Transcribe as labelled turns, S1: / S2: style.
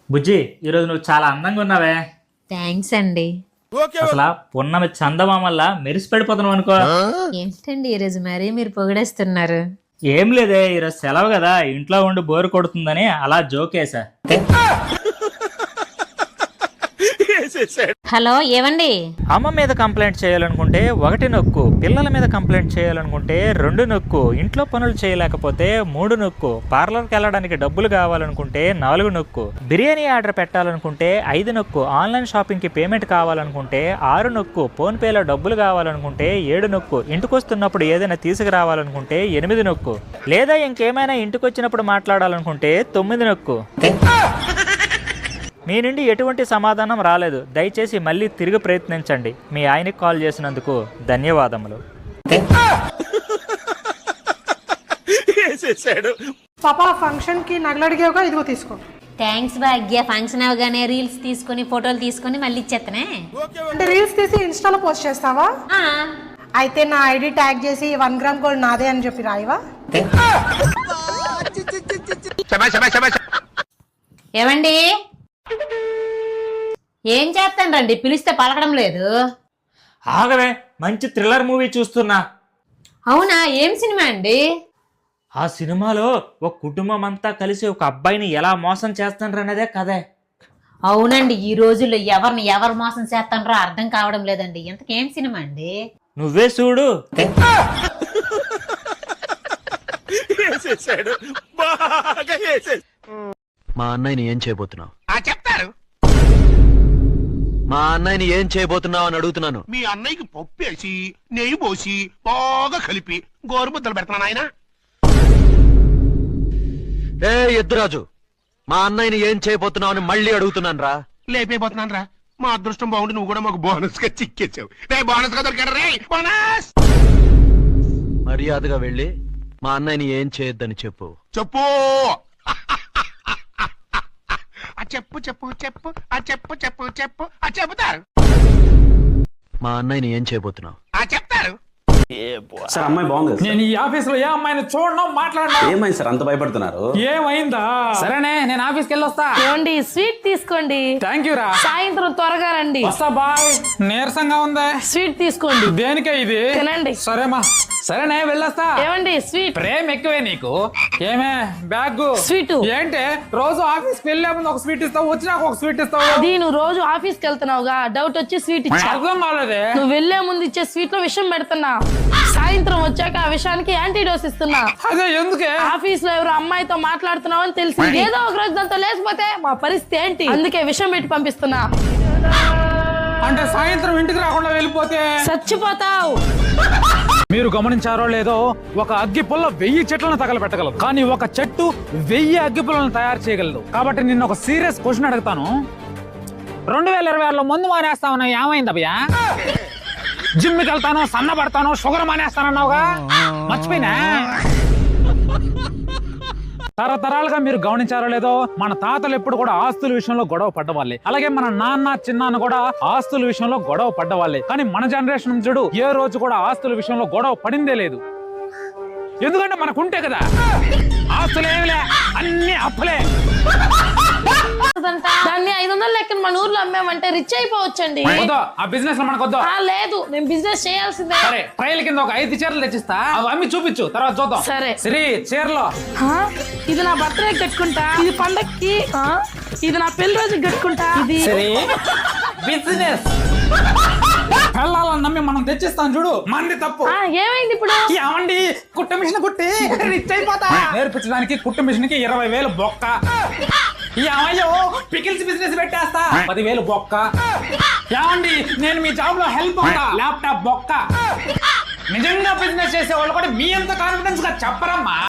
S1: బుజ్జి, ఈరోజు నువ్వు చాలా అందంగా ఉన్నావే.
S2: థ్యాంక్స్ అండి.
S1: అసలు పున్నమి చందమామల్లా మెరిసి పడిపోతున్నావు అనుకో.
S2: ఏంటండి ఈరోజు మరీ మీరు పొగిడేస్తున్నారు?
S1: ఏం లేదే, ఈరోజు సెలవు కదా, ఇంట్లో ఉండి బోరు కొడుతుందని అలా జోకేసా.
S2: హలో, ఏవండి?
S1: అమ్మ మీద కంప్లైంట్ చేయాలనుకుంటే 1 నొక్కు, పిల్లల మీద కంప్లైంట్ చేయాలనుకుంటే 2 నొక్కు, ఇంట్లో పనులు చేయలేకపోతే 3 నొక్కు, పార్లర్కి వెళ్ళడానికి డబ్బులు కావాలనుకుంటే 4 నొక్కు, బిర్యానీ ఆర్డర్ పెట్టాలనుకుంటే 5 నొక్కు, ఆన్లైన్ షాపింగ్కి పేమెంట్ కావాలనుకుంటే 6 నొక్కు, ఫోన్ పేలో డబ్బులు కావాలనుకుంటే 7 నొక్కు, ఇంటికొస్తున్నప్పుడు ఏదైనా తీసుకురావాలనుకుంటే 8 నొక్కు, లేదా ఇంకేమైనా ఇంటికొచ్చినప్పుడు మాట్లాడాలనుకుంటే 9 నొక్కు. మీ నుండి ఎటువంటి సమాధానం రాలేదు. దయచేసి మళ్ళీ తిరిగి ప్రయత్నించండి. మీ ఆయనకి కాల్ చేసినందుకు ధన్యవాదములు.
S3: పాపా ఫంక్షన్ కి నగలు అడిగావుగా, ఇదిగో తీసుకో.
S2: థ్యాంక్స్ భాగ్య. ఫంక్షన్ అవగానే రీల్స్ తీసుకొని ఫోటోలు తీసుకొని మళ్ళీ ఇచ్చేతనే.
S3: అంటే రీల్స్ తీసి ఇన్స్టాలో పోస్ట్ చేస్తావా? అయితే నా ఐడి ట్యాగ్ చేసి 1 గ్రామ్ గోల్డ్ నాదే అని చెప్పి రాయివా?
S2: ఏవండి, ఏం చేస్తాను? పిలిస్తే పలకడం లేదు.
S1: ఆగవే, మంచి థ్రిల్లర్ మూవీ చూస్తున్నా.
S2: అవునా? ఏం సినిమా అండి?
S1: ఆ సినిమాలో ఒక కుటుంబం అంతా కలిసి ఒక అబ్బాయిని ఎలా మోసం చేస్తానన్నదే కదే.
S2: అవునండి, ఈ రోజుల్లో ఎవరు మోసం చేస్తానో అర్థం కావడం లేదండి. ఇంతకేం సినిమా అండి?
S1: నువ్వే చూడు.
S4: మా అన్నయ్యని ఏం చేయబోతున్నావు?
S5: చెప్తారు.
S4: మా అన్నయ్యని ఏం చేయబోతున్నావు అని అడుగుతున్నాను.
S5: మీ అన్నయ్యకి పప్పేసి నెయ్యి పోసి బాగా కలిపి గోరుముద్దలు పెడతాను ఆయన.
S4: ఏ ఎద్దురాజు, మా అన్నయ్యని ఏం చేయబోతున్నావు అని మళ్ళీ అడుగుతున్నాను రా.
S5: లేపైపోతున్నాను రా. మా అదృష్టం బాగుండి నువ్వు కూడా మాకు బోనస్ గా చిక్కేసావు. రే బోనస్ గా దొరికాడు రే బోనస్.
S4: మర్యాదగా వెళ్ళి మా అన్నయ్యని ఏం చేయొద్దని చెప్పు.
S5: చెప్పు. చెప్పు చెప్పు చెప్పు చెప్పు చెప్పు చెప్పు చెబుతారు.
S4: మా అన్నయ్యని ఏం చేయబోతున్నావు?
S5: చెప్తారు.
S6: సార్ అమ్మాయి బాగుంది.
S7: నేను ఈ ఆఫీస్ లో ఏ అమ్మాయిని చూడడం మాట్లాడడం.
S6: ఏమైంది సార్ అంత భయపడుతున్నారు?
S7: ఏమైందా? సరేనే, నేను ఆఫీస్కి వెళ్ళొస్తా.
S8: ఏమండి, స్వీట్ తీసుకోండి.
S7: థ్యాంక్ యూ రా.
S8: సాయంత్రం త్వరగా రండి.
S7: వస్తా బాయ్. నీరసంగా ఉందా?
S8: స్వీట్ తీసుకోండి.
S7: దేనికే ఇది?
S8: తినండి.
S7: సరేమా, సరేనే వెళ్ళొస్తా.
S8: ఏమండి, స్వీట్.
S7: ప్రేమ ఎక్కువే నీకు. ఏమే బ్యాగ్
S8: స్వీట్
S7: ఏంటి? రోజు ఆఫీస్ కి వెళ్ళే ముందు ఒక స్వీట్ ఇస్తావు, వచ్చినాక ఒక స్వీట్ ఇస్తావు.
S8: అది నువ్వు రోజు ఆఫీస్ కి వెళ్తున్నావుగా, డౌట్ వచ్చి స్వీట్ ఇచ్చా.
S7: అర్థం కాలేదే.
S8: నువ్వు వెళ్లే ముందు ఇచ్చే స్వీట్ లో విషం పెడుతున్నా. సాయంత్రం వచ్చాక ఆ విషయానికి యాంటీడోస్ ఇస్తున్నా.
S7: అదే ఎందుకే?
S8: ఆఫీస్ లో ఎవరు అమ్మాయితో మాట్లాడుతున్నావు అని తెలిసి ఏదో ఒక రోజు దాంతో లేకపోతే మా పరిస్థితి ఏంటి? అందుకే విషం పెట్టి పంపిస్తున్నా.
S7: అంటే సాయంత్రం ఇంటికి రాకుండా వెళ్ళిపోతే
S8: చచ్చిపోతావు.
S7: మీరు గమనించారో లేదో, ఒక అగ్గి పుల్ల 1000 చెట్లను తగలబెట్టగలదు, కానీ ఒక చెట్టు 1000 అగ్గి పుల్లను తయారు చేయగలదు. కాబట్టి నిన్న ఒక సీరియస్ క్వశ్చన్ అడుగుతాను. 2026లో మందు మానేస్తా ఉన్నావు, ఏమైంది అభయ? జిమ్కి వెళ్తాను, సన్నబడతాను, షుగర్ మానేస్తానన్నావుగా, మర్చిపోయినా? తరతరాలుగా మీరు గమనించారో లేదో, మన తాతలు ఎప్పుడు కూడా ఆస్తుల విషయంలో గొడవ పడ్డవాళ్ళే. అలాగే మన నాన్న చిన్నాన్న కూడా ఆస్తుల విషయంలో గొడవ పడ్డవాళ్ళే. కానీ మన జనరేషన్ చూడు, ఏ రోజు కూడా ఆస్తుల విషయంలో గొడవ పడిందే లేదు. ఎందుకంటే మనకుంటే కదా ఆస్తులు. ఏమిలే, అన్ని అప్పులే.
S8: దాన్ని 500 లెక్కన మన ఊర్లో అమ్మామంటే రిచ్ అయిపోవచ్చండి.
S7: ఆ బిజినెస్ లో మనకొద్దు.
S8: లేదు, నేను బిజినెస్ చేయాల్సిందే.
S7: సరే, ట్రయల్ కింద ఒక 5 చీరలు తెచ్చిస్తా, అవి అమ్మి చూపించు, తర్వాత చూద్దాం.
S8: సరే.
S7: శ్రీ చీరలో
S8: ఇది నా బర్త్డే కట్టుకుంటా, ఇది పండక్కి, ఇది నా పెళ్లి రోజుకి కట్టుకుంటా. ఇది
S7: బిజినెస్ పెళ్ళాలని నమ్మి మనం తెచ్చిస్తాం చూడు, మంది తప్పు.
S8: ఏమైంది ఇప్పుడు?
S7: ఏమండి, కుట్ట మిషన్ కుట్టి రిచ్ అయిపోతా. నేర్పించడానికి కుట్టు మిషన్ కి 20,000 బొక్క. ఏమయ్యో, పికిల్స్ బిజినెస్ పెట్టేస్తా, 10,000 బొక్క. ఏమండి, నేను మీ జాబ్ లో హెల్ప్ అవుతా, ల్యాప్టాప్ బొక్క. నిజంగా బిజినెస్ చేసే వాళ్ళు కూడా మీ అంత కాన్ఫిడెన్స్ గా చెప్పరమ్మా.